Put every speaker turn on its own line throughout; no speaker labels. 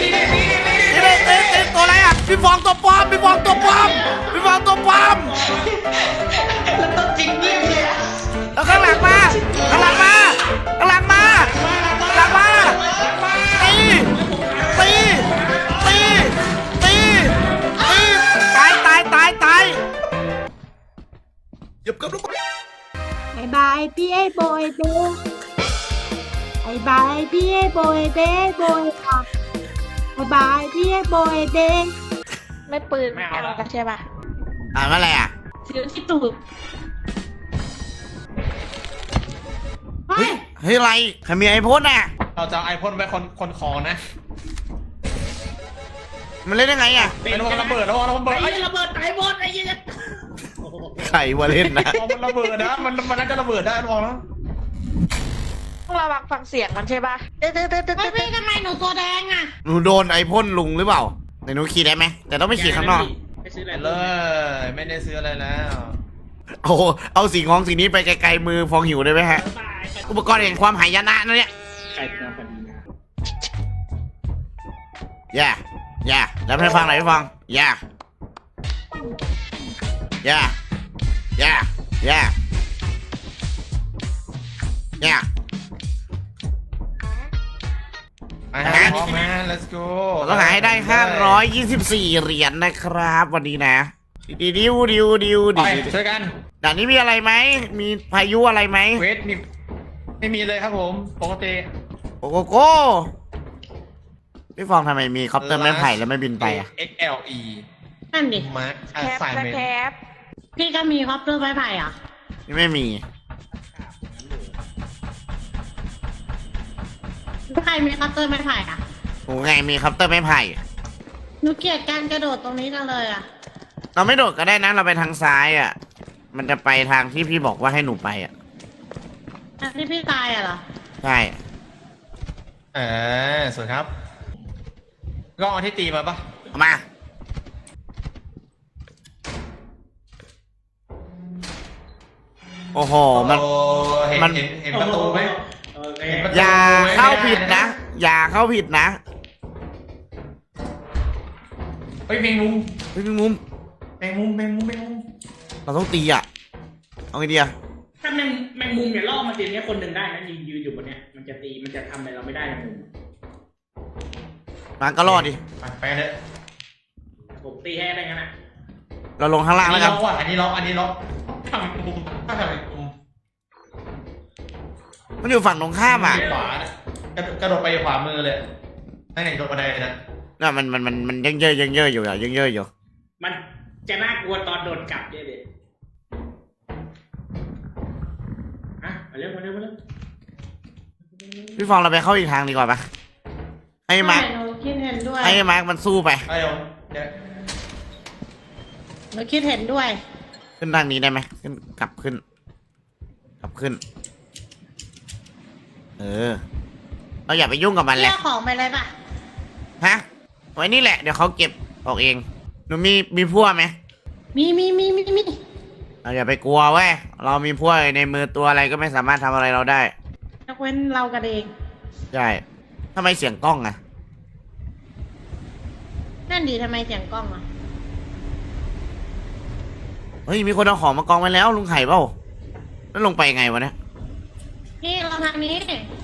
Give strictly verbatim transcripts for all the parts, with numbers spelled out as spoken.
นี่เต้เต้ตัวอะไรอ่ะพี่ฟองตัวปลอมพี่ฟองตัวปลอมพี่ฟองตัวปลอม
แล้วต้องจริงเงียบเลยอะ
แล้วข้างหลังมาข้างหลังมาข้างหลังมาหลังมาตีตีตีตีตีตายตายตายตายหยิบกับลูก
บายบายพี่ไอ้โบยเด้บายบายพี่ไอ้โบยเด้โบยค่ะบายบายพี่ไอ้โบยเด้
ไม่ปืนไม่เอาแล้วใช่ป่ะ
อ่านว่าอะไรอ่ะ
ซื้อที่ตูด
เฮ้ยเฮ้ยอะไรใครมีไอพ่นอ่ะ
เราจะเอาไอพ่นไว้คนคนคอนะ
มันเล่นได้ไงอ่ะ
เป็นระเบิดแล้วระเบิดไอ้ระเบิดไอ้บอสไอ้ยัน
ใครมาเล่นนะ
มันระเบิดนะมันมันน่าจะระเบิดได้ลองแล้ว
ต้องระวังฟังเสียงมันใช่ป่ะเต้เต้เต้เต้เต้ทำไมหนูตัวแดงอ่ะ
หนูโดนไอพ่นลุงหรือเปล่าไหนหนูขี่ได้ไหมแต่ต้องไม่ขี่ข้างนอก
เลยไม่ได้ซื้ออะไรแล้ว
เอาเอาสีงองสีนี้ไปไกลๆมือฟองหิวได้ไหมฮะอุปกรณ์แห่งความหายนะนะเนี่ยอย่าอย่าแล้วให้ฟังหน่อยให้ฟังอย่าอย่าอย่าอย่าอย่า
อ่ะพร้อมนะ let's go
ต้องหาให้ได้ห้าร้อยยี่สิบสี่เหรียญนะครับวันนี้นะดิวดิวดิวดิว
ไป
ดิว
ช่วยกัน
ด่านนี้มีอะไรไหมมีพายุอะไรไหม
เวทมีไม่มีเลยครับผมปกติ
โอ้โกโก้พี่ฟองทำไมมีคอปเตอร์ไม้ไผ่แล้วไม่บินไปอ่ะ
เอ็กซ์ แอล อี
นั่นดิ
มาร์ค
แคป
สายเมน
แคป
พี่ก็มีคอปเตอร์ไม้ไผ่เหรอ่ะ
นี่ไม่มี
ใครมีคอปเตอร์ไม้ไผ่อ่ะ
โอ้ไงมีคอปเตอร์ไม้ไผ่
หนูเกลียดการกระโดดตรงนี้จังเลยอ่ะ
เราไม่โดดก็ได้นะเราไปทางซ้ายอ่ะ มันจะไปทางที่พี่บอกว่าให้หนูไปอ่ะ
อันที่พี่ตายอ่ะเหรอ
ใช่
เออสวยครับก็เอาที่ตีมาปะ
เอามาโอ้โหมัน
โอ้เห็น
มัน
เห็นเห็นประตูไหมเห็นประตู
อย่า
ไหม
เข้าผิดนะ อย่าเข้าผิดนะ
เฮ้ยแมงมุม
เฮ้ยพี่มุม
แมงมุมแมงมุมแมงมุม
เราต้องตีอ่ะเอาไงดีอ่ะ
ถ้าแมงแมงมุมเนี่ยล่อมาตีเนี้ยคนหนึ่งได้นะยืนยืนอยู่บนเนี้ยมันจะตีมันจะทำอะไรเราไม่ได้แมงมุม
มาก็รอดดิ
ไปไปเถอะ
ผมตีให้ได้งั้นนะ
เราลงข้างล่าง
อัน
แล้ว
นี้
กัน
ล็อกว่ะอันนี้ล็อกอันนี้ล็อกทำมุมถ้าทำมุม
มันอยู่ฝั่งตรงข้ามอ่ะ
ขวานะกระโดดกระโดดไปขวามือเลยนั่นเองตรงบันไดนะ
น่ะมันมันมันมันยังเยอะยังเยอะอยู่อ่ะยังเยอะอยู่
มันจะน่ากลัวตอนโดนกลับเยอะเลยอ่ะมาเร็วมาเร็วมาเร็ว
พี่ฟองเราไปเข้าอีกทางดีกว่าปะให้มาร์ค
หนูคิดเห็นด้วย
ให้มาร์คมันสู้ไป
ไอ้ผมเดี๋ยว
หนูคิดเห็นด้วย
ขึ้นทางนี้ได้ไหมขึ้นกลับขึ้น กลับขึ้น เออ เราอย่าไปยุ่งกับมันเล
เลื
ย
อกของไปเลยป่ะ
ฮะไว้นี่แหละเดี๋ยวเขาเก็บออกเองหนูมีมีพั่วไหม
มีมีมีมีมี
เราอย่าไปกลัวเว้ยเรามีพั่วในมือตัวอะไรก็ไม่สามารถทำอะไรเราได้
ยกเว้นเรากันเอง
ใช่ทำไมเสียงกล้องอะ
นั่นดีทำไมเสียงกล้องอ่ะ
เฮ้ยมีคนเอาของมากองไว้แล้วลุงไข่เปล่าแล้วลงไปไงวะเนี่ย
นี่เราทางนี้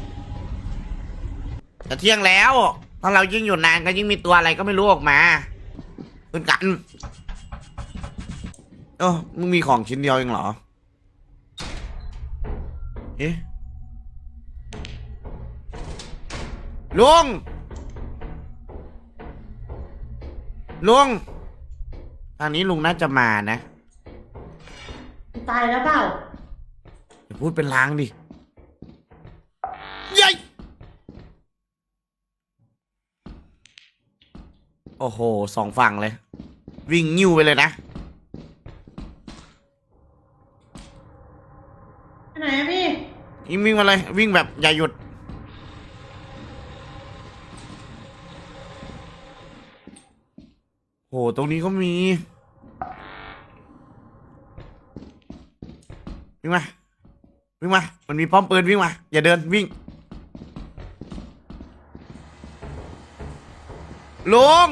จะเที่ยงแล้วถ้าเรายิ่งอยู่นานก็ยิ่งมีตัวอะไรก็ไม่รู้ออกมาขึ้นกันเออมึงมีของชิ้นเดียวเองเหรอเอ๊ะลุงลุงทางนี้ลุงน่าจะมานะ
ตายแล้วเปล่า
อย่าพูดเป็นลางดิยัยโอ้โหสองฝั่งเลย วิ่งนิ้วไปเลยนะ
ไปไหนอะพี่
วิ่งวิ่งมาเลย วิ่งแบบอย่าหยุด โหตรงนี้ก็มี วิ่งมา วิ่งมา มันมีป้อมปืนวิ่งมา อย่าเดินวิ่งลุง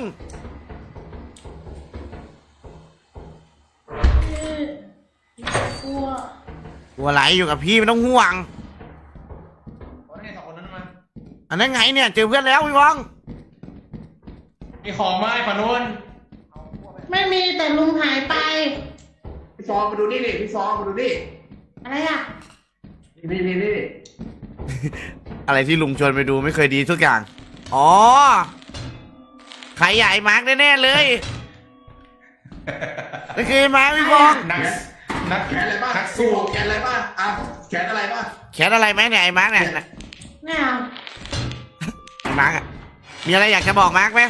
กลัว
กลัวอะไรอยู่กับพี่ไม่ต้องห่วง
โอ้ยสองคนนั้นมา
อันนั้นไงเนี่ยเจอเพื่อนแล้วพี่ฟอง
มีของมาไอ้ขนุน
ไม่มีแต่ลุงหายไป
พี่ฟองมาดูนี่ดิพี่ฟองมาดูนี่
อะไรอ่ะ
นี่นี่นี่
อะไรที่ลุงชวนไปดูไม่เคยดีทุกอย่างอ๋อใครใหญ่มาร์กแน่ๆเลยไม่เคยมาร์กพี่ฟอง
นักนัก
แขนอะไรบ้าง
นัก
พี่
สู้
ฟองแขนอะไรบ้างอ่ะแขนอะไรบ้าง
แขนอะไรไหมเนี่ยไอ้มาร์กเนี่ย
ไม่เอา
ไอ้มาร์กอะมีอะไรอยากจะบอกมาร์กไหม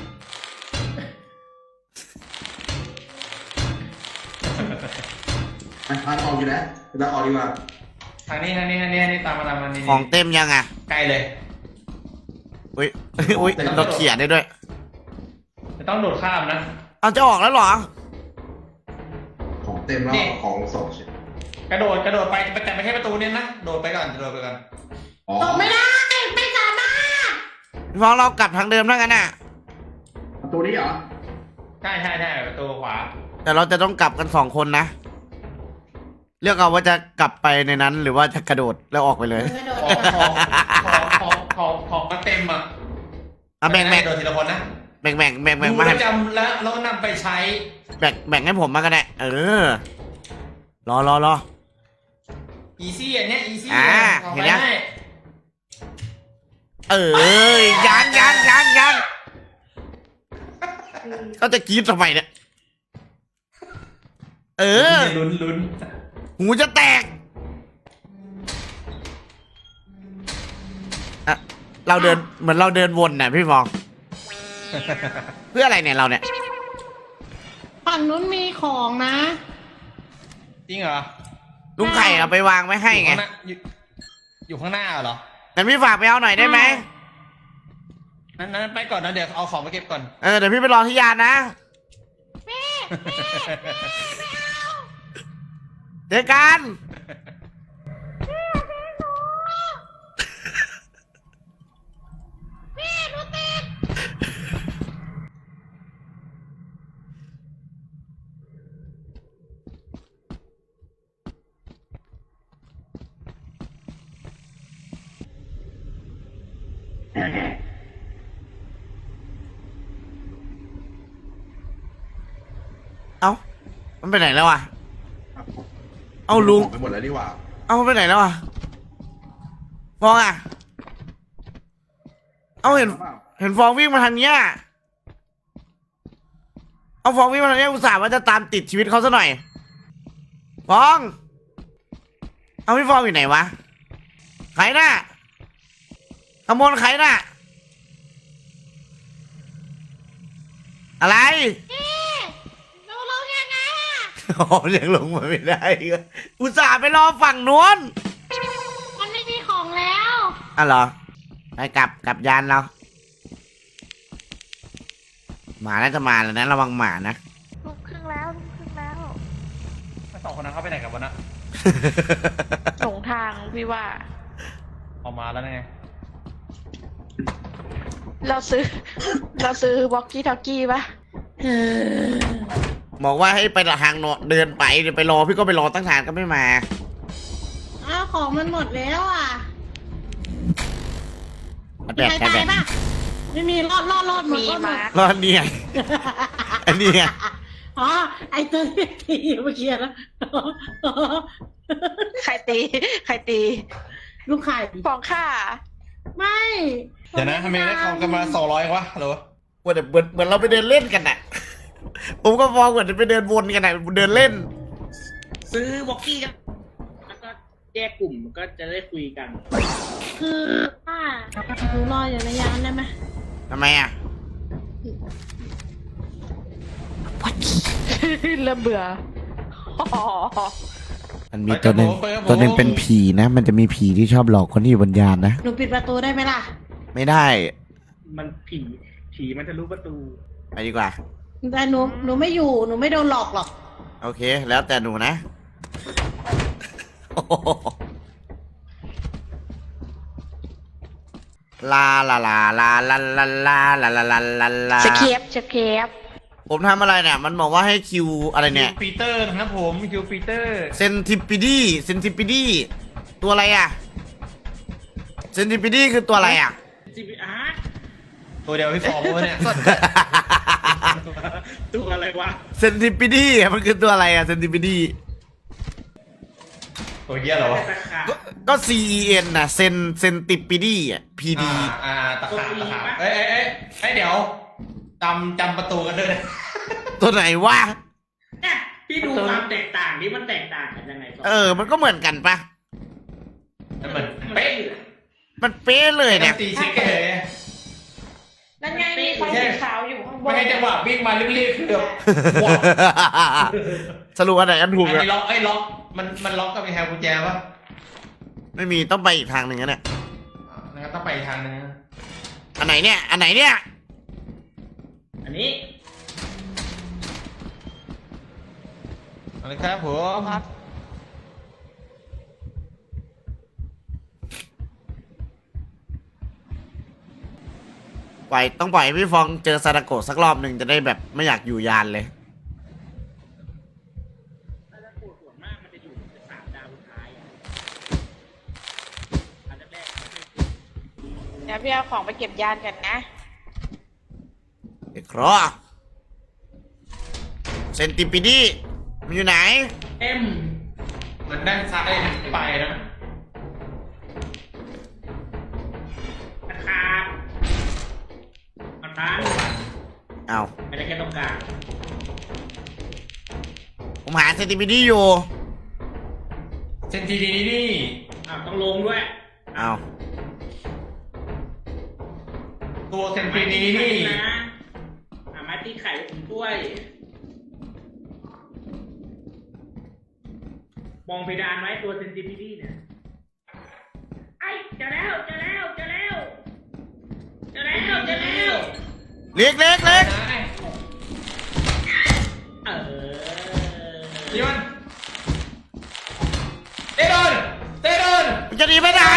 อ่ะอ่ะออกอยู่แล้วเราออกดีกว่า
ทางนี้ทางนี้ทางนี้ทางนี้ตามมาตามมานี่
ของเต็มยังอ่ะ
ใกล้เลย
อุ้ยอุ้ยเราเขียนได้ด้วย
จะต้องโดดข้ามนะ
เอาจะออกแล้วเหรอ
ของเต็มแล้ว
นี่
ของสองชิ้น
กระโดดกระโดดไปแต่ไม่ใช่ประตูเนี่ยนะโดดไปก่อนโดดไปก่อน
อ๋อ
ตกไม่ได้ ไม่สามารถ
พี่ฟองเรากลับทางเดิมแล้วกันน่ะ
ประตูนี้เหรอ
ใช่ใช่ใช่ประตูขวา
แต่เราจะต้องกลับกันสองคนนะเลือกเอาว่าจะกลับไปในนั้น หรือว่าจะกระโดดแล้วออกไปเลย
กระโดด
ของของของของของมันเต็มอ่ะ
อ่ะแบ่งแบ่ง
โดดทีละคนนะ
แบ่งแบ่งแบ่งแบ่ง
ดู
มา
แล้
ให้
วจำแล้วแล้วนำไปใช้
แบ่งแบ่งให้ผมมาก็ได้เออรอรอรอ
อีซี่อันเนี้ยอีซี่
อ่า
เอา
เห็
ไป
นยัง
ให้
เออยังยังยังยังเขาจะกรีดทำไมเนี่ยเออ
ลุ้นลุ้น
หูจะแตกอะเราเดินเหมือนเราเดินวนน่ะพี่ฟอง เพื่ออะไรเนี่ยเราเนี่ย
ฝั่งนู้นมีของนะ
จริงเหรอ
ลุงไข่เอาไปวางไว้ให้ไง
อยู่ข้างหน้าอยู่อยู่ข้างหน้าเหรอ
งั้นพี่ฝากไปเอาหน่อยได้ไหม
นั้นนั้นไปก่อนนะเดี๋ยวเอาของไปเก็บก่อน
เออเดี๋ยวพี่ไปรอที่ยานนะเจอกัน เอ้ามันไปไหนแล้วอ่ะ เอาลุง
ไปหมดแล้วดีกว่า
เอามันไปไหนแล้วอ่ะฟองอ่ะ เอาเห็น เห็นฟองวิ่งมาทางเนี้ย เอาฟองวิ่งมาทางเนี้ยอุตส่าห์ว่าจะตามติดชีวิตเขาซะหน่อย ฟอง เอาพี่ฟองอยู่ไหนวะใครน่ะขโมยใครน่ะ อะไร
เราลงยังไงอ่ะ
อ๋อยังลงมาไม่ได้อีกอุตส่าห์ไปรอฝั่งนู้น
มันไม่มีของแล้ว
อ่ะเหรอ ไปกลับกลับยานเรา หมาน่าจะมาแล้วนะระวังหมานะ
ลุกครึ่งแล้วลุกครึ่งแล้ว
สองคนนั้นเขาไปไหนกันวะนะ
หลงทางพี่ว่า
ออกมาแล้วไง
เราซื้อ เราซื้อวอกกี้ทอกกี้ปะ
เออ
บอกว่าให้ไปทางโนเดินไปเดี๋ยวไปรอพี่ก็ไปรอตั้งนานก็ไม่มา
อ้าวของมันหมดแล้วอ่ะ
มัน
มี
แบก
ใคร
แบ
ตาย
ก
ป่ะ ไม่มีรอดรอดรอดหมด
มี
รอดหม
มา
ด
รอดเนี่ยอันนี้ไง
อ๋อ ไอตัวที่ตีเมื่อกี้นะ
ใครตี ใครตี
ลูกไข่
ฟองค่า
ไม่
เดี๋ยวนะทำไมได้ของกันมาสองร้อยวะเหรอ
เหมือนเหมือนเหมือนเราไปเดินเล่นกันน่ะ ผมก็มองเหมือนไปเดินวนกันน่ะเดินเล่น
ซื้อวอกกี้กันแล้วก็แยกกลุ่มก็จะได้คุยกัน
คือป้าหนูรออยู่ในยานได้ไหม
ทำไมอ่ะ
เริ่มเบื่อ
มันมีตัวหนึ่งตัวหนึ่งเป็นผีนะ มันจะมีผีที่ชอบหลอกคนที่อยู่บนยานนะ
หนูปิดประตูได้ไหมล่ะ
ไม่ได้
มันผีผีมันจะรู้ประตู
ไปดีกว่า
แต่หนูหนูไม่อยู่ หนูไม่โดนหลอกหรอก
โอเค แล้วแต่หนูนะลาลาลาลาลาลาลาลาลาลาลาลา
สเคปสเคป
ผมทำอะไรเนี่ยมันบอกว่าให้คิวอะไรเนี่ย
คิวปีเตอร์นะครับผมคิวปีเตอร์
เซนติปิดีเซนติปิดีตัวอะไรอ่ะเซนติปิดีคือตัวอะไรอ่ะ
จีบีอาร์
ตัวเดียวพี่ฟอร์มวะเนี่ย
ตัวอะไรวะ
เซนติปิดีมันคือตัวอะไรอ่ะเซนติปิดี
ตัวเหี้ยเหรอวะ
ตะขาบ
ก็ C E N น่ะเซนเซนติปิดีอ่ะ P D
อ่าอ่าตะขาบตะขาบเอ้ยเอ้ยเอ้ยเอ้ยเดี๋ยวจำจำประตูกันด้วยนะ
ตัวไหนวะ
เนี่ยพี่ดูความแตกต่างนี่มันแตกต่างกันยังไงก่อน
เออมันก็เหมือนกันปะ
มันเหมือนเป๊ะ
มันเป๊ะเลยเนี่ย
ตีชิคเลย
นั่นไงมีไฟสีขาวอยู่ข้างบ
ไม่
น
ใช่จังหวะวิ่งมารีบๆคือแบบว้าว
สรุปอันไหนอันถูก
อัน
อะ
นี้ล็อกไอ้ยล็อกมันมันล็อกกับไอ้แฮร์กุญแจปะ
ไม่มีต้องไปอีกทางหนึ่งนะเนี่ย
อ่างั้นต้องไปอีกทางนึงนะ
อันไหนเนี่ยอันไหนเนี่ย
อันนี้
เอาเลยครับผม
ปล่อยต้องปล่อยให้พี่ฟองเจอซาดาโกะสักรอบหนึ่งจะได้แบบไม่อยากอยู่ยานเลย
ถ้าจะปวดส่วนมากมันจะอยู่ในสามดาวสุดท้ายอ่ะอันแรกๆไม่คุ้น
เดี๋ยวพี่เอาของไปเก็บยานกันนะ
เด็กครอเซนติปิดีมันอยู่ไหน
เอ็ม
มันด้านซ้ายไปนะ
ตะขาบมันตัน
เอา
ไม่ได้แค่ตรงกลาง
ผมหาเซนติปิดีอยู่
เซนทีดีนี่
อ้าวต้องลงด้วย
เอา
ตัวเซน
ไม้
ที
ตี
ดี
ไข่
นี่
นะอ่าไม้ตีไข่ผมด้วยมองเพดานไว้ตัวเซนติพิตี้เนี่ยไอ้เจอแล้วเจอแล้วเจอแล้วเจอแล้วเจอแล้ว
เล็กเล็กเล็ก
เออ
นี่มันเตะโดนเตะโดน
มันจะหนีไปไหน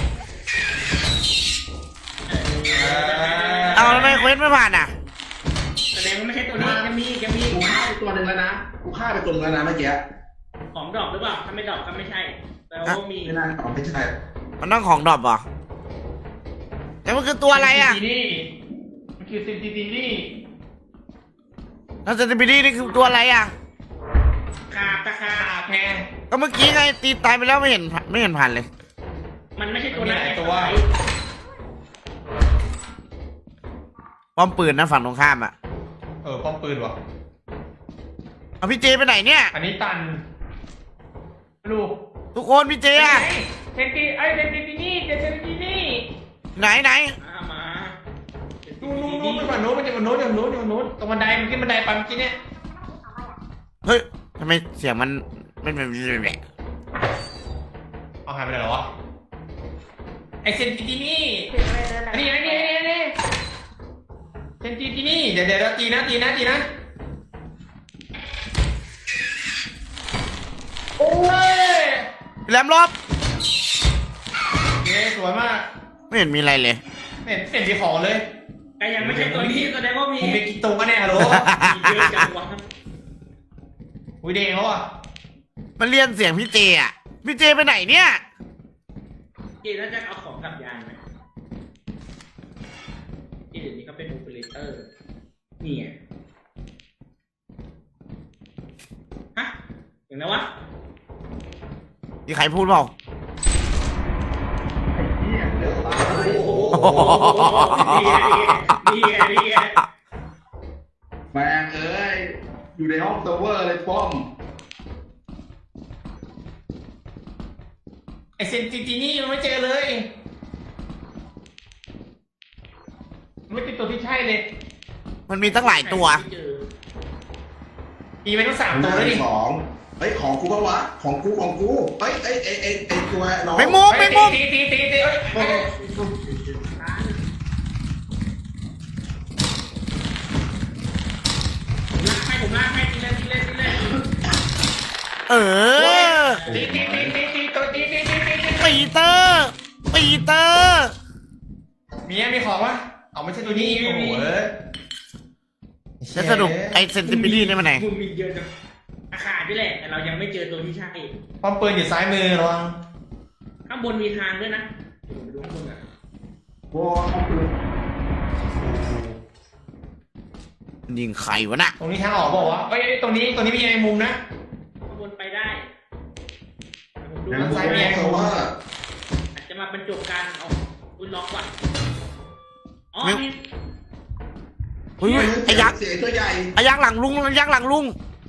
เอาทำไมเควสไม่ผ่านอ่ะ
แสดงว่าไม่ใช่ตัวนี้ยังมียังมี
กูฆ่าไปตัวหนึ่งแล้วนะกูฆ่าไปตัวหนึงแล้วนะเมื่อกี้
ของดอกหรือเปล่าถ้าไม่ดอกก็ไม่ใช่แต่ว่ามี
ไม่น่าอ๋อไม่ใช่
มันต้องของดรอปเหรอแต่มันคือตัวอะไรอ่ะ
เซนทีนี่มันคือเซนทีดีนี่
แล้วเซนติปิดีนี่คือตัวอะไรอ่ะ
ขาบตะขา
ขา
บ
แพง
ก็เมื่อกี้ไงตีตายไปแล้วไม่เห็นไม่เห็นผ่านเลย
มันไม่ใช่ตัวนั้น
มันมีหลาย
ไง
ตัว
ป้อมปืนนะฝั่งตรงข้ามอ่ะ
เออป้อมปืนว่ะ
เอาพี่เจไปไหนเนี่ย
อันนี้ตันลูก
ทุกคนพี่เจอ่ะ
เซนทีไอเซนทีนี่เซนทีนี่
ไหนไหน
อ่ามา
นู่นนู่นนู่นมันฝั่งโน้นมันจะฝั่งโน้นฝั่งโน้นฝั่งโน้นตรงบันไดมันขึ้นบันไดปั๊มเมื่อกี้เนี่ย
เฮ้ยทำไมเสียงมันมันมัน
เอาหายไปไหนแล้ววะไอเซนทีนี่
ถึงเลยนั่น
อันนี้
น่ะ
อันนี้อันนี้อันนี้เซนทีนี่เดี๋ยวเดี๋ยวตีนะตีนะตีนะโอ้ย
แหลมรอบ
โอเคสวยมาก
ไม่เห็นมีอะไรเลย
ไม่เห็นไม่เห็นมีของเลย
แต่ยังไม่ใช่ตัวนี้แสดงว่ามี
ผมมีกี่ตัวเนี่ยฮัลโหล
มีเยอะจังวะ
อุ้ยเด้งเขาอ่ะ
มันเรียนเสียงพี่เจอ่ะพี่เจไปไหนเนี่ย
เจน่าจะเอาของกลับยานไหมเจเดี๋ยวนี้เขาเป็นโอเปอเรเตอร์นี่ไงฮะอย่างนั้นวะ
มีใครพูดเปล่า
เหี้ยเดี๋ยวตาย
โอ้โหนี่ไงนี่ไงนี่ไง
แม่งเอ้ยอยู่ในห้องเซิร์ฟเวอร์เลยป้อม
ไอเซนติทีนี่มันไม่เจอเลยมันไม่เป็นตัวที่ใช่เลย
มันมีตั้งหลายตัว
ไม่เจอ
มีไปทั้งสาม
ห
ตัว
น้า
แล้วดิ
ที่สองเฮ้ยของกูปะวะของกูของกูเฮ้ยไอ้ไอ้ไอ้ไอ้ตัวน้อง
ไม่มุมไม่มุม
ตีตีตีตีเอ้ย
โอ้
เอ้ย
ลากให้ผมลากให้ทีเล่นทีเล่นทีเล่น
เออ
ตีตีตีตีตีตัวตีตีตีตีตี
ปีเตอร์ปีเตอร์
มีไหมมีของวะเอาไม่ใช่ตัวนี้โอ้โหเอ้ย
แล้วสรุปไอ้เซนติปิลี่นี่มันไหน
มึงมีเยอะจังอาคารนี่แหละแต่เรายังไม่เจอตัวที่ใช่
ป้อมปืนอยู่ซ้ายมือระวัง
ข้างบนมีทางด้วยนะเดี๋ยวไปดูข้างบนอ่ะ
โอ้โห
ยิงใครวะน่ะ
ตรงนี้ทางออกบอกว่าวะเอ้ยตรงนี้ตรงนี้มีไอ้มุมนะ
ข้างบนไปได้ผมดู
นั่น
ข้างบ
ไซ
น
เมียโซเวอร์
อาจจะมาบรรจบกันเอาคุณล็อกก่อนอ๋อนี่
เฮ้ยไอ้ยักษ์
เสียตัวใหญ่
ไอ้ยักษ์หลังลุงไอ้ยักษ์หลังลุง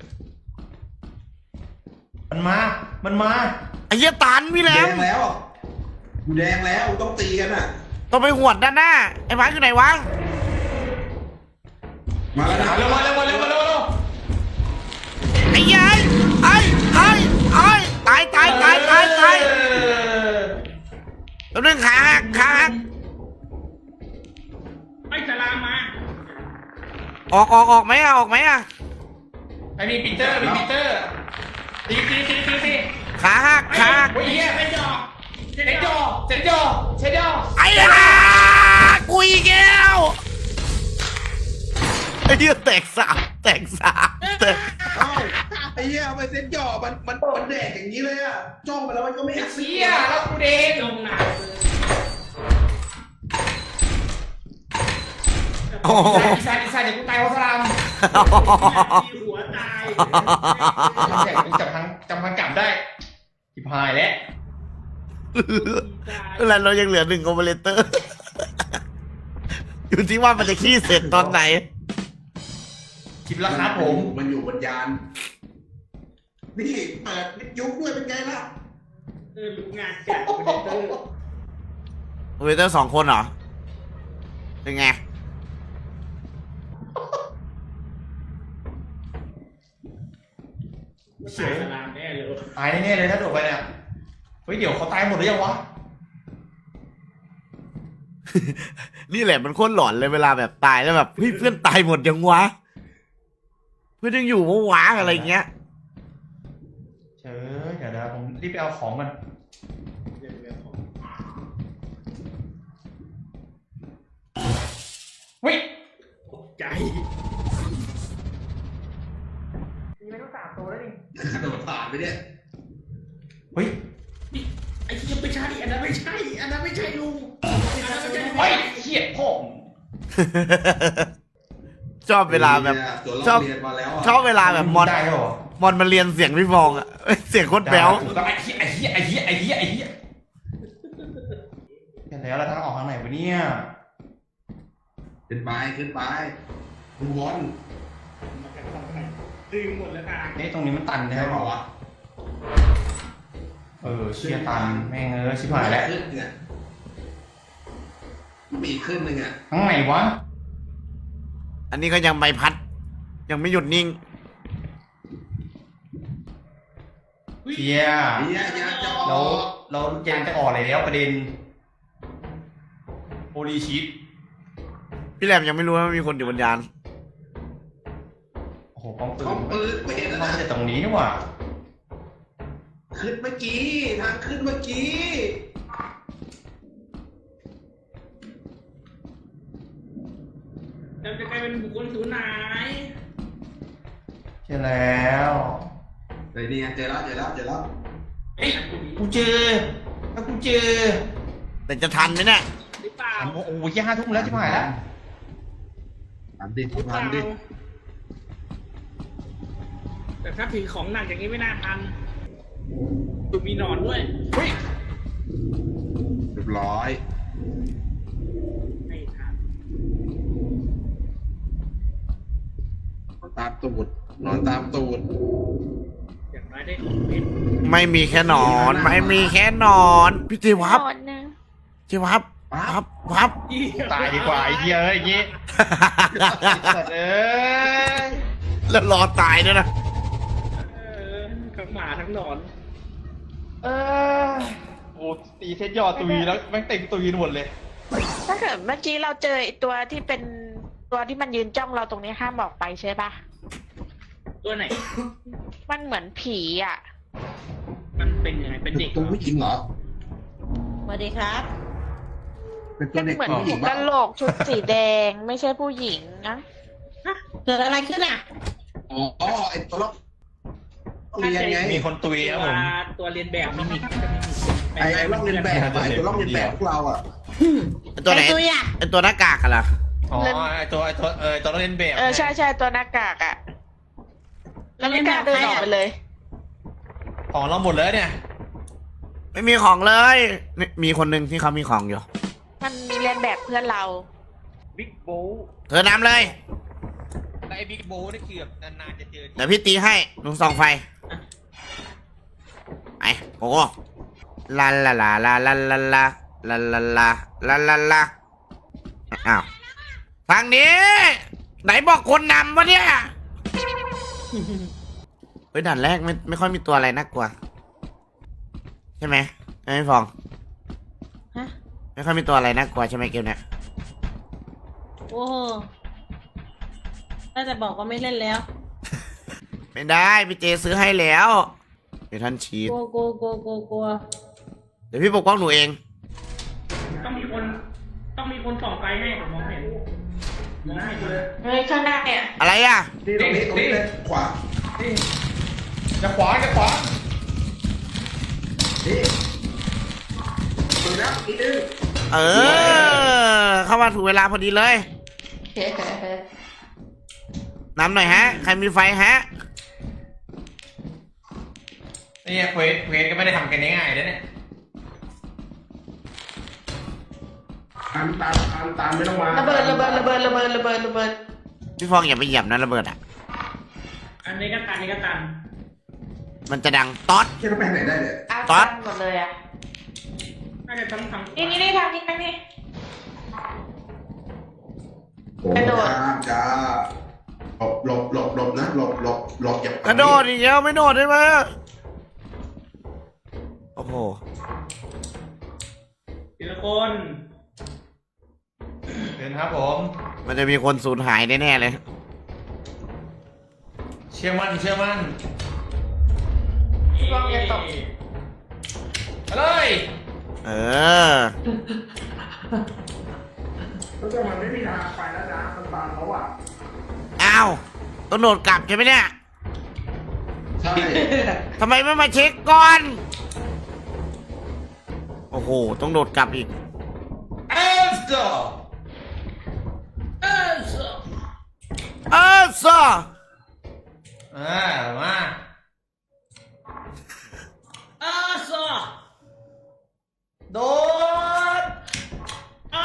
มันมา มันมา
ไอ้เหี้ยตันพี่แหล
แด
ม
งแล้วกูแดงแล้วต้องตีกันอ่ะ
ต้องไปหวดด้านหน้าไอ้ไม้อยู่ไหนวะ
มาแล้วนะ
เร็วมาเร็วมาเร็วมาเร็วเร็ว
ไอ้ยัยไอ้ไอ้ไอ้ตายตายตายตายตาย
เออ
ตัวนึงขาหักขาหัก
ไอ้สลามมา
ออกออกออกไหมอะออกไหมอะ
ไอ้มีปีเตอร์มีปีเตอร์ตีตีตีตีตี
ขาหักขาหัก
โอ้ยเหี้ย
เป็นดอก
เซ็นจอเซ็นจอเซ็นจอ
ไอ้ห่ากูอีกแล้วไอ้เหี้ยแตกสามแตกสามแตก
เอ้าไอ้เหี้ยไปเซ็ตจ่อมันมันมันแดกอย่างนี้เลยอ่ะจ้องไปแล้วมันก็ไม่
ไอ้
แอค
เหี้ยแล้วกูเดง
ลงหนาวเลย
โอ้โห
อีสานอีสานเดี๋ยวกูตายเพราะสลาม
มีหัวตาย
แจกกูจับทางจำทางกลับได้ทิพายแล้ว
แล้วเรายังเหลือหนึ่งโอเปอเรเตอร์ อยู่ที่ว่ามันจะขี้เสร็จตอนไหน
คลิปแล้วครับผม
มันอยู่บนยานนี่เปิดวิทยุด้วยเป็นไงล่ะ
เออรู้งานจัดคอมพิวเตอร์
โอเปอเรเตอร์สองคนเหรอ เป็นไง
ไม่ตายสลามแน่เลย
ตายแน่ๆเลยถ้าโดดไปเนี่ยเฮ้ยเดี๋ยวเขาตายหมดหรือยังวะ
นี่แหละมันโคตรหลอนเลยเวลาแบบตายแล้วแบบเฮ้ยเพื่อนตายหมดยังวะ เพื่อนยังอยู่วะวะอะไรเงี้ย
เชิญเดี๋ยวนะผมรีบไปเอาของมันเฮ้ย
ตกใจ
มีไม่ต้องสามตัวแล้วนี่
กระโดดผ่านไปเนี่ย
เฮ้ย
นี่ไอ้ที่ยังไม่ใช่อันนั้นไม่ใช่อันนั้นไม่ใช่ลุงอันนั้นไม่ใช่ลุง
เฮ้ยเหี้ยพ่อ
ชอบเวลาแบบ
ตัว
ช
เรา
อบ
เรียนมาแล้วอะ
ชอบเวลาแบบมอน
ได้ด้วยเหรอ
มอนมาเรียนเสียงพี่ฟองอะ เสียงโคตรแบ๊ว
ไอ้เหี้ยไอ้เหี้ยไอ้เหี้ยไอ้เหี้ยไอ้เหี้ยเห็นแล้วแล้วทางออกทางไหนวะเนี่ย
ขึ้นไปขึ้นไปดูบอล
ดึงหมดแล้วค่ะ
เอ๊ะตรงนี้มันตันใช่
ใช่
ไหม
เปล่าวะ
เออเชียตันแม่งเออชิบหายแล้ว
ขึ้นเนี่ยมีอีกขึ้นหนึ่งอ่ะ
ทางไหนวะ
อันนี้ก็ยังใบพัด ยังไม่หยุดนิ่ง
เชีย
เฮียอยากจะอ
เรา
อก
เราเย็นจะออกแล้วประเด็นโอรีชิต
พี่แหลมยังไม่รู้ว่ามีคนอยู่บนยาน
โอ้โหป้องปื
เขา
น
ปืนไม่เห็นแล้ว
มัน
นะ
จะตรงนี้นี่หว่า
ขึ้นเมื่อกี้ทางขึ้นเมื่อกี้
จะกลายเป็นบุคคลสูญหาย
เจอแล้ว
เฮ้ยนี่ไงเจอแล้วเจอแล้วเจอแล้ว
เอ้ยกูเจอถ้ากูเจอ
แต่จะทันไหมเนี่ย
หรือเปล่า
โอ้โหโอ้โหยี่ห้าทุ่มแล้วชิบหายแล้ว
ทันดิ
หรือเป
ทั
ล่าน
ดิ
แต่ถ้าถือของหนักอย่างนี้ไม่น่าทันดูมีหนอนด้วย
เฮ้ย
เรียบร้อย
ไม่ทัน
นอนตามตูดนอนตามตูด
อย่างน้อยได้ของเพชร
ไม่มีแค่หนอน ไม่มีแค่หนอน พี่เจวับ
นอนนะ
เจวับวับวับ
ตายดีกว่าไอ้เหี้ยเอ้ยอย่างงี้สัตว์เอ้ย
แล้วรอตายด้วยนะ
เออทั้งหมาทั้งหนอน
เออโอ้ตีเซตยอดตุยแล้วแม่งเต็มตุยหมดเลย
ถ้าเกิดเมื่อกี้เราเจอไอ้ตัวที่เป็นตัวที่มันยืนจ้องเราตรงนี้ห้ามออกไปใช่ปะ
ตัวไหน
มันเหมือนผีอ่ะ
มันเป็นยังไงเป็นเด็กเหร
ตัว
อ
ผู้หญิงเหรอ
สวัสดีครับ
เป็นตัวเด็ก
เหมือน
ผู้หญิง
กะ
บ้า
โหลกชุดสีแดงไม่ใช่ผู้หญิงนะ
เกิดอะไรขึ้นอ่ะ
อ๋อไอตัวล็อกเรียนไง
มีคนตุยครับผม
ตัวเรียนแบบมิมิก
ไอไอล็อกเรียนแบบอะไอตัวล็อกเรียนแบบพวกเราอ่ะ
ไอ้ตัวไหน
ไอ้ตัวอ่ะ
ไอ้ตัวหน้ากากกันเหรอ
อ๋อไอตัวไอตัวเออตัวเล่นแบบ
เออใช่ใช่ตัวหน้ากากอะแล้วไม่กล้าเดินออกไปเลย
ของเราหมดเลยเนี่ย
ไม่มีของเลยนี่มีคนหนึ่งที่เขามีของอยู่
มันเรียนแบบเพื่อนเรา
บิ๊กโบ
เธอนำเลย
แล้วไอ้บิ๊กโบนี่คือแบบนานๆจะเจอ
เดี๋ยวพี่ตีให้หนุ่งส่องไฟไปโอ้โหลาลาลาลาลาลาลาลาลาลาลาลาลาอ้าวทางนี้ ไหนบอกคนนำวะเนี่ยเฮ้ยด่านแรกไม่ไม่ค่อยมีตัวอะไรน่ากลัวใช่ไหมไม่ฟอง
ฮะ
ไม่ค่อยมีตัวอะไรน่ากลัวใช่ไหมเกมเนี้ย
โอ้ถ้าจะบอกว่าไม่เล่นแล้ว
ไม่ได้พี่เจซื้อให้แล้วเดี๋ยวท่านชีต
กลัวกลัวกลัวกลัวกลัว
เดี๋ยวพี่ปกป้องหนูเอง
ต้องมีคนต้องมีคนส่องไฟให้ผมมองไม่เห็นมองไม่เห็นเลย
เฮ้ยข้างหน้าเนี่ย
อะไรอ่ะ
นี่ตรงนี้ตรงนี้เลยขวา
จะขวาจะขวา
นี่ถึงแล้วอีกนึง
เออ เข้ามาถูกเวลาพอดีเลยน้ำหน่อยฮะ ใครมีไฟฮะ
เนี่ยเควสเควสก็ไม่ได้ทำกันง่ายๆนะเนี่ย
ตามตามตามตามไม่ต้องมา
ระเบิดระเบิดระเบิดระเบิดระเบิดระเบิด
พี่ฟองอย่าไปเหยียบนะระเบิดอ่ะ
อันนี้ก็ตันอันนี้ก็ตัน
มันจะดังต๊อด
แค่ไปไหนได้เนี่ย
เอา
ต๊อด
หมดเลยอะ
น่าจะต้องทำ
นี่นี่นี่ทางนี้ทางนี้
โอ้
กระโดด
จ้าจ้าหลบหลบหลบหลบนะหลบหลบหลบอย่าก
ระโดดอีกแล้วไม่โดดได้ไหมโอ้โห
ทีละคน
เดินครับผม
มันจะมีคนสูญหายแน่ๆเลย
เชื่อมั่นเชื่อมั่น
ลองอย่าตก
ไปเลย
เออ
แล้วแต่มันไม่มีทางไปแล้วนะมันบางเขาอ่ะ
อ้าวต้องโดดกลับใช่ไหมเนี่ย
ใช่
ทำไมไม่มาเช็คก่อน โอ้โห ต้องโดดกลับอีก
เอสโต
เออซอ
อ่ามา
เออซอ
โดด
อ้า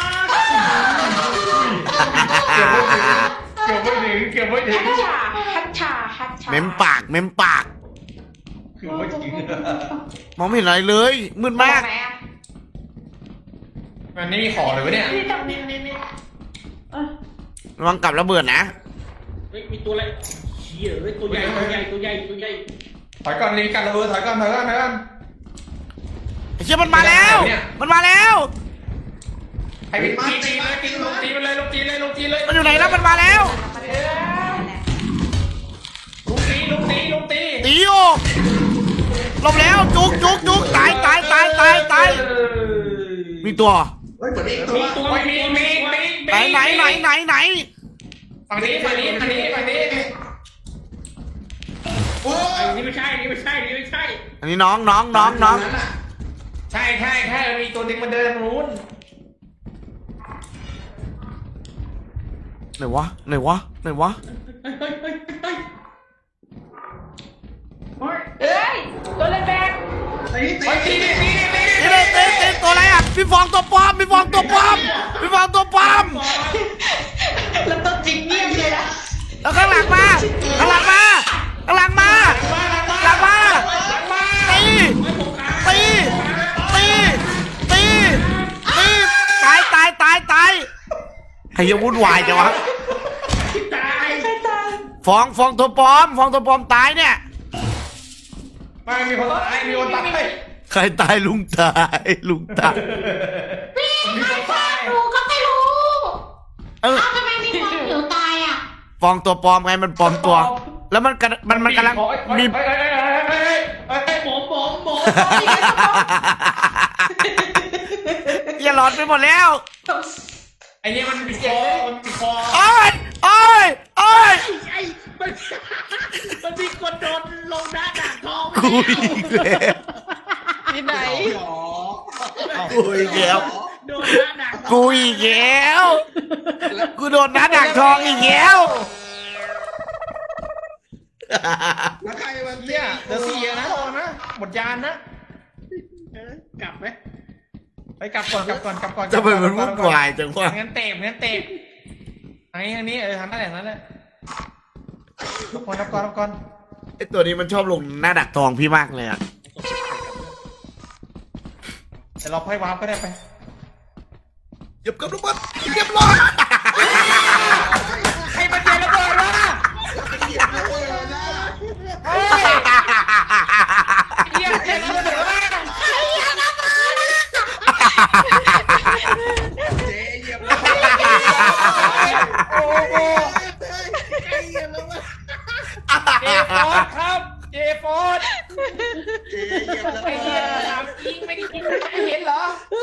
เกือบไม่ถึงเกือบไม่ถึง
ฮัชชาฮัชชาฮัชชา
เม้มปาก เม้มปาก
เกือบไม่ถึง
มองไม่เห็นอะไรเลย มืดมาก
ไหนอะ
มันไม่มีของเลยวะเนี่ย
นี่ตรงนี้นี่นี่
ระวังกลับระเบิดนะ
เฮ้ยมีตัวอะไรเชี่ยเฮ้ยตัวใหญ่ตัวใหญ่ตัวใหญ่ตัวใหญ่
ถอยก่อนรีกันระเบิดถอยก่อนถอยก่อนถอยก่อน
ไอ้เชี่ยมันมาแล้ว
เนี่ย
มันมาแล้ว
ให้ไปตีตีเลยตีลงตีไปเลยลงตีเลยลงตีเลย
มันอยู่ไหนแล้วมันมาแล้ว
ลุงตีลุงตีลุงตี
ตีโอหลบแล้วจุกจุกจุกตายตายตายตายตายมีตัว
เฮ้ยเหมือนเอกตั
มี
ว
ตัว
มีมีมีมี
ไหนไหนไหนไหนไหน
ฝั่งนี้ฝั่งนี้ฝั่งนี้ฝั่งนี้
โอ้
อั
ย
นนี้ไม่ใช่อันนี้ไม่ใช่อันนี้ไม่ใช่
อันนี้น้องน้องน้องน้อง
ะ
ใช่ใช่ใช่มีตัวหนึงมันเดินทางนู้น
ไหนวะไหนวะไหนวะ
เฮ้ยเฮ้ยเฮ้ยเฮ้ย
เอ้ยตัวเล่นแบบ
ตีตี
ไปตีดิตีดิตีดิ
นี่เลยเต้เต้ตัวอะไรอ่ะพี่ฟองตัวปลอมพี่ฟองตัวปลอมพี่ฟองตัวปลอม
แล้วตัวจริงเงียบเลยนะ
แล้วข้างหลังมาข้างหลังมาข้างหลังมาหลังมาตีตีตีตีตีตายตายตายตายใครจะวุ่นวายจังวะ
ตาย
ฟองฟองตัวปลอมฟองตัวปลอมตายเนี่ย
ไม่มีคนตายมีคนตาย
ใครตายลุงตายลุงตาย
มีคนตาย
หนูก็ไม่รู้
เออ
เอ้าทำไมมีคนผิวตายอ่ะ
ฟองตัวปลอมไงมันปลอมตัว แล้วมันกระมันมันกำลังมี
เฮ้ยเฮ้ยเฮ้ยเฮ้ยเฮ้ยเฮ้ยเฮ้ย
หมอหมอหมอ
อย่าหลอนไปหมดแล้ว
ไอเนี่ยมันมีคอมันมีคอ
โอ้ยโอ้ยโอ้ย
ไอ้มันมันมีคนโดนลงหน้าด่างทอง
กูอีกแล้ว
ที่ไหน
กูอีกแล้ว
โดนหน้าด่างทอง
กูอีกแล้วกูโดนน้าดักทองอีกแล้ว
แล้วใครมัน
เนี่ยเดี๋ยวเสียนะระวังนะหมดยานนะ
เออกลับไหม
ไปกลับก่อนกลับก่อนกลับก่อน
จะไปมันวุ่นวายจังวะ
งั้นเตะงั้นเตะทางนี้ทางนี้เออทางนั้นแหละนั้นแหละรับก่อนรับก่อนรับก่อน
ไอตัวนี้มันชอบลงหน้าดักทองพี่มากเลยอ่ะ
แต่เราให้วาร์ปก็ได้ไป
เหยียบกับระเบิดเรียบร้อย
ใครมาเจอระเบิดวะเฮ้ยเฮียเจอระเบิดวะ
เจ๊เหยียบแล้ว
โอ้โห
เจ๊เหยียบแล้ว
เจฟอร์ดครับเจฟอร์ด
เจ๊เหยียบแล้ว
ไอ้เหี้ยถามจริงไม่ได้ยินไม่เห็นเหรอ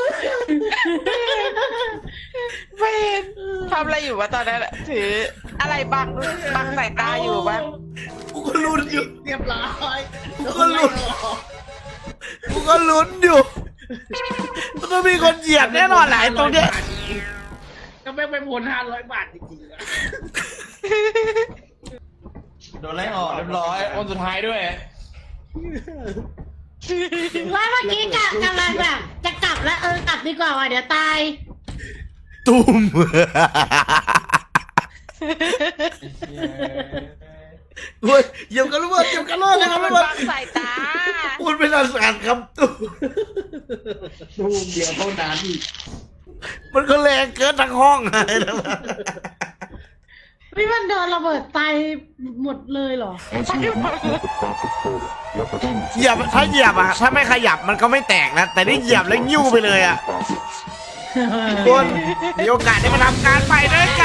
ไม่เห็นทำอะไรอยู่วะตอนนั้นอะถืออะไรบังบังสายตาอยู่บ้าง
กูก็ลุ้นอยู่
เรียบร้อย
กูก็ลุ้นกูก็ลุ้นอยู่มันต้องมีคนเหยียบแน่นอนแหละไอ้ตรงเนี้ย
ก็ไม่ไปพ้นห้าร้อยบาทจริงๆอะ
โดนไล่ออกเรียบร้อยคนสุดท้ายด้วย
ว่าเมื่อกี้กะกำลังแบบจะกลับแล้วเออกลับดีกว่าว่ะเดี๋ยวตาย
ตุ้มโอ้ยเหยียบกันระเบิดเหยียบกันระเบิดเลยครับระเบิด
บังสายตา
พูดเป็นภาษาครับตุ้ม
ตูมเดียวเท่านั้น
มันก็แรงเกินทั้งห้องเลยนะ
พี่มันโดนระเบิดตายหมดเลยเหรอ
เหยียบถ้าเหยียบอะถ้าไม่ขยับมันก็ไม่แตกนะแต่นี่เหยียบแล้วยิ้วไปเลยอะคนมีโอกาสได้มาทำการไปด้วยกัน